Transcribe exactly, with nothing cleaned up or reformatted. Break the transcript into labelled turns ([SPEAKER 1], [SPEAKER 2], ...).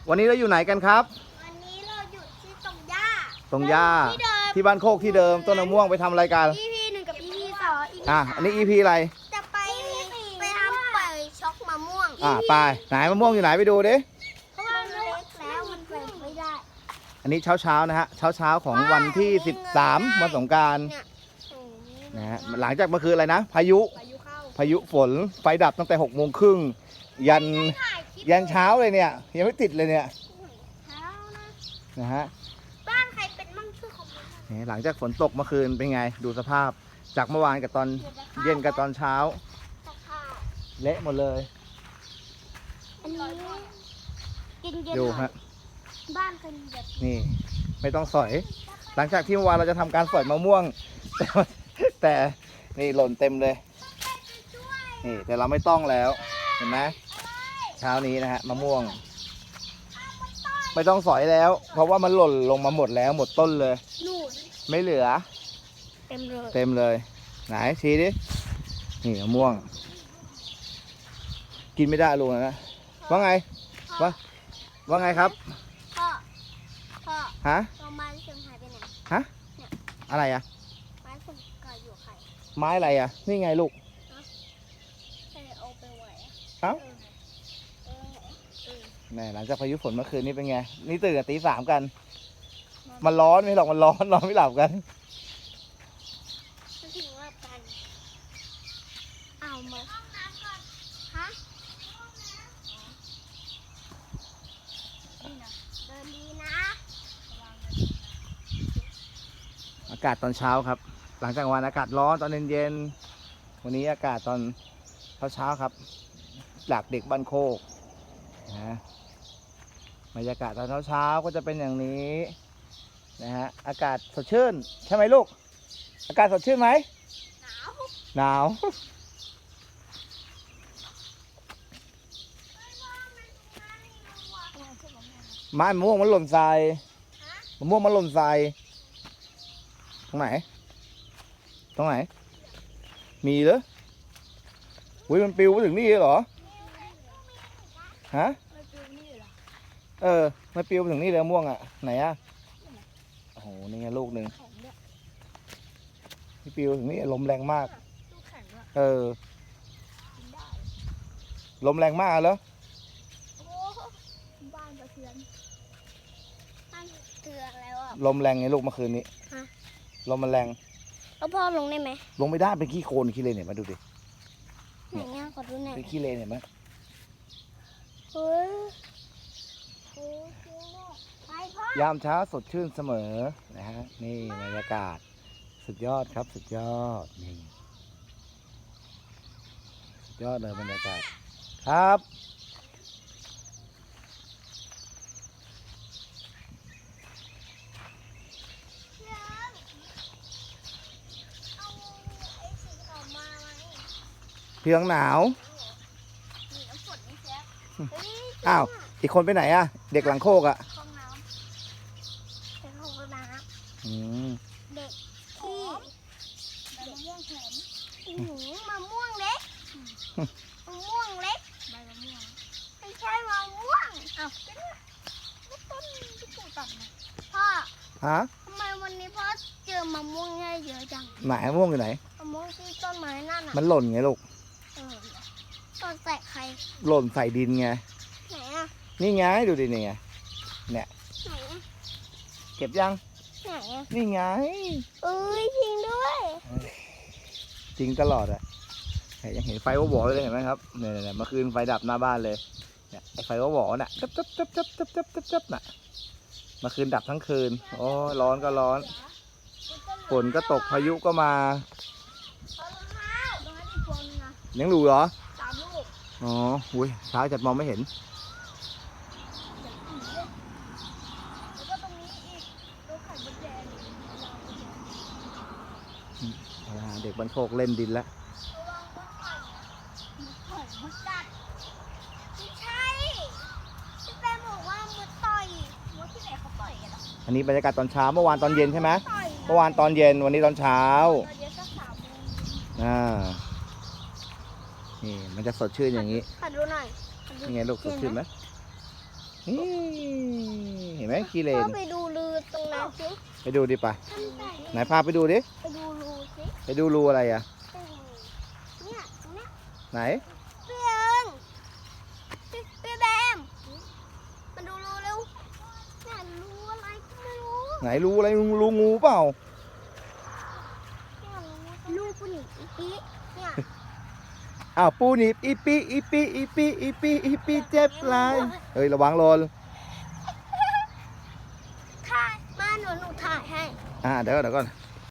[SPEAKER 1] วันนี้เราอยู่ไหนกันครับ
[SPEAKER 2] วันนี้เราอยู่ที่ตรงหญ้า
[SPEAKER 1] ตรงหญ้า
[SPEAKER 2] ที่เดิม
[SPEAKER 1] ที่บ้านโคกที่เดิมต้นมะม่วงไปทำอะไรกัน
[SPEAKER 2] อี พี หนึ่งกับ อี พี สอง อี พี
[SPEAKER 1] อ่ะอันนี้ อี พี อะไร
[SPEAKER 2] จะไปไปทำปล่อยช็อกมะม่วง
[SPEAKER 1] อ่ะไปไหนมะม่วงอยู่ไหนไปดูดิ
[SPEAKER 2] เพราะว่ามันเล็กแล้วมันไปไม่ได้
[SPEAKER 1] อันนี้เช้าเช้าๆนะฮะเช้าเช้าๆของวันที่สิบสามวันสงกรานต์
[SPEAKER 2] เนี่ยโอ้โห
[SPEAKER 1] นะฮะหลังจากเมื่อคืนอะไรนะพายุ
[SPEAKER 2] พายุเข้า
[SPEAKER 1] พายุฝนไฟดับตั้งแต่หกโมงครึ่งยัน
[SPEAKER 2] ถ่ายคลิป
[SPEAKER 1] ยันเช้าเลยเนี่ยยังไม่ติดเลยเนี่ย
[SPEAKER 2] เช้านะ
[SPEAKER 1] นะฮะ
[SPEAKER 2] บ้านใครเป็นมั่งช่วยคอมเมนต์หน่อย
[SPEAKER 1] นี่หลังจากฝนตกเมื่อคืนเป็นไงดูสภาพจากเมื่อวานกับตอนเย็นกับตอนเช้า
[SPEAKER 2] สภาพ
[SPEAKER 1] เละหมดเลย
[SPEAKER 2] อันนี้กินเย็น
[SPEAKER 1] ดู
[SPEAKER 2] หน่อ
[SPEAKER 1] ฮะ
[SPEAKER 2] ยบ้านเคยมีแบบ
[SPEAKER 1] นี่ไม่ต้องสอย หลังจากที่เมื่อวานเราจะทำการสอยมะม่วง แต่แต่นี่หล่นเต็มเลยนี่แต่เราไม่ต้องแล้วเห็นไหมเช้านี้นะฮะมะม่วง ไม่ต้องสอยแล้ว เพราะว่ามันหล่นลงมาหมดแล้วหมดต้นเลย
[SPEAKER 2] หนู
[SPEAKER 1] ไม่เหลือ
[SPEAKER 2] เต็มเลย
[SPEAKER 1] เต็มเลย ไหนชี้ดินี่มะม่วง กินไม่ได้ลุงนะว่าไงว่าว่าไงครับ
[SPEAKER 2] พ่อพ่อ
[SPEAKER 1] ฮะ
[SPEAKER 2] เอาไม้เสียงหายไปไหน
[SPEAKER 1] ฮะอะไรอะ
[SPEAKER 2] ไม้ผมกายอยู่ใคร
[SPEAKER 1] ไม้อะไรอะนี่ไงลูก
[SPEAKER 2] ใครเอาไปไหวอะ
[SPEAKER 1] เอ้า
[SPEAKER 2] เออเออ
[SPEAKER 1] แม่หลังจากพายุฝนเมื่อคืนนี้เป็นไง นี่ตื่นกันตีสามกัน มันร้อนไม่หรอกมันร้อนนอนไม่หลับกัน
[SPEAKER 2] จะถึงว่ากันเอามาฮะเดินดีนะ
[SPEAKER 1] อากาศตอนเช้าครับ หลังจากวันอากาศร้อนตอนเย็นๆวันนี้อากาศตอนเช้าๆครับจากเด็กบ้านโคกนะบรรยากาศตอนเช้าๆก็จะเป็นอย่างนี้นะฮะอากาศสดชื่นใช่ไหมลูก อากาศสดชื่นไหม
[SPEAKER 2] หนาว
[SPEAKER 1] หนาว ไม้มะม่วงมันหล่นทรายมะม่วงมันหล่นทรายตรงไหน ตรงไหน มีเหรออุ้ยมันปลิวมาถึงนี่เหรอ ฮะ
[SPEAKER 2] ไม่ดูนี่เหรอ
[SPEAKER 1] เออมันปลิวมาถึงนี่เลยมะม่วงอ่ะ ไหนอ่ะ โอ้โห นี่ไงลูกหนึ่ง
[SPEAKER 2] แข็งด้วย
[SPEAKER 1] ที่ปลิวถึงนี่ลมแรงมาก
[SPEAKER 2] ลูกแข็งด้วย
[SPEAKER 1] เออ
[SPEAKER 2] กินได้
[SPEAKER 1] ลมแรงมากเหรอ
[SPEAKER 2] โอ้บ้านสะเทือนบ้านเทือนแล้วอ่ะ
[SPEAKER 1] ลมแรงไงลูกเมื่อคืนนี้
[SPEAKER 2] ฮะ
[SPEAKER 1] ลมมันแรง
[SPEAKER 2] แล้วพ่อลงได้ไหม
[SPEAKER 1] ลงไม่ได้เป็นขี้โคลนขี้เลนเนี่ยมาดูดิ
[SPEAKER 2] ไหนเนี่ยขอดูหน่อย
[SPEAKER 1] เป็นขี้เลนเห็นไหม
[SPEAKER 2] เฮ้ยโอ้ยจริงด้วยไปพ่อย
[SPEAKER 1] ามเช้าสดชื่นเสมอนะฮะนี่บรรยากาศสุดยอดครับสุดยอดนี่สุดยอดเลยบรรยากาศครับ
[SPEAKER 2] เอาไอ้สีขาวมาไหม
[SPEAKER 1] เพียงหนาว
[SPEAKER 2] มีน้ำฝนนี่แซ่เฮ้ย
[SPEAKER 1] อ้าวอีกคนไปไหนอะเด็กหลังโคกอะ
[SPEAKER 2] ห้องน้ำเป็นห้องน้
[SPEAKER 1] อืม
[SPEAKER 2] ำเด็กที่ใบมะม่วงแข็งอื้อหือมะม่วงเล็กมะม่วงเล็กใบมะม่วงไม่ใช่มะม่วงอ้าวเป็นไม่ต้นที่ปลูกตัดนะพ่อ
[SPEAKER 1] ฮะ
[SPEAKER 2] ทำไมวันนี้พ่อเจอมะม่วงเยอะจัง
[SPEAKER 1] ไหนมะม่วงอยู่ไหน
[SPEAKER 2] มะม่วงที่ต้นไม้นั่นอ่ะ
[SPEAKER 1] มันหล่นไงลูก
[SPEAKER 2] เออต้นใส่ใคร
[SPEAKER 1] หล่นใส่ดินไง
[SPEAKER 2] ไหนอ่ะ
[SPEAKER 1] นี่ไงดูดินี่ไง
[SPEAKER 2] ไหนอ่ะ
[SPEAKER 1] เก็บยัง
[SPEAKER 2] ไหนอ่ะ
[SPEAKER 1] นี่ไง
[SPEAKER 2] เอ้ยจริงด้วย
[SPEAKER 1] จริงตลอดอะเนี่ยยังเห็นไฟวอๆเลยเห็นไหมครับเนี่ยเนี่ยเมื่อคืนไฟดับหน้าบ้านเลยเนี่ยไอไฟวอๆน่ะจับจับจับจับจับจับจับจับน่ะเมื่อคืนดับทั้งคืนโอ้ร้อนก็ร้อนฝนก็ตกพายุก็มา
[SPEAKER 2] เอารองเท้าตรงนั้นอีกคนนะ
[SPEAKER 1] ยังดูเหรอ
[SPEAKER 2] สามลูก
[SPEAKER 1] อ๋ออุ้ยเช้าจัดมองไม่เห็น
[SPEAKER 2] แล้วก็ตรงนี้อีกตัวไข่มดแดง
[SPEAKER 1] อ่าเด็กบ้านโคกเล่นดินแล้ว
[SPEAKER 2] ระวังมดไข่มดไข่มดกัดไม่ใช่พี่แป้งบอกว่ามดต่อยมดที่ไหนเขาต่อยกันหรอ
[SPEAKER 1] อันนี้บรรยากาศตอนเช้าเมื่อวานตอนเย็นใช่ไหม
[SPEAKER 2] ต่อย
[SPEAKER 1] เมื่อวานตอนเย็นวันนี้ตอนเช้า
[SPEAKER 2] ตอนเย็นสักสามโมง
[SPEAKER 1] อ่านี่มันจะสดชื่นอย่างนี้
[SPEAKER 2] ขอดูหน่อยขอดู
[SPEAKER 1] นี่ไงลูกสดชื่นไหมนี่เห็นไหมขี้เล
[SPEAKER 2] พ่อน ไปดูรูตรงนั้นสิ
[SPEAKER 1] ไปดูดิไปไหนพาไปดูดิ
[SPEAKER 2] ไปดูรูสิ
[SPEAKER 1] ไปดูรูอะไรอ่ะ
[SPEAKER 2] เนี่ยตรงเนี้ย
[SPEAKER 1] ไหน
[SPEAKER 2] เปียงพี่พี่แบมมาดูรูเร็วเนี่ยรูอะไรก็ไม่รู้
[SPEAKER 1] ไหนรูอะไรรูงูเปล่า
[SPEAKER 2] ลูกผู้หญิงอีปีเนี่ย
[SPEAKER 1] อ้าวปูหนีบอีปีอีปีอีปีอีปีอีปีเจ็บไรเฮ้ยระวังหล่น
[SPEAKER 2] ถ่ายมาหนูหนูถ่ายให้
[SPEAKER 1] อ่าเดี๋ยวก่อนเดี๋ยวก่อน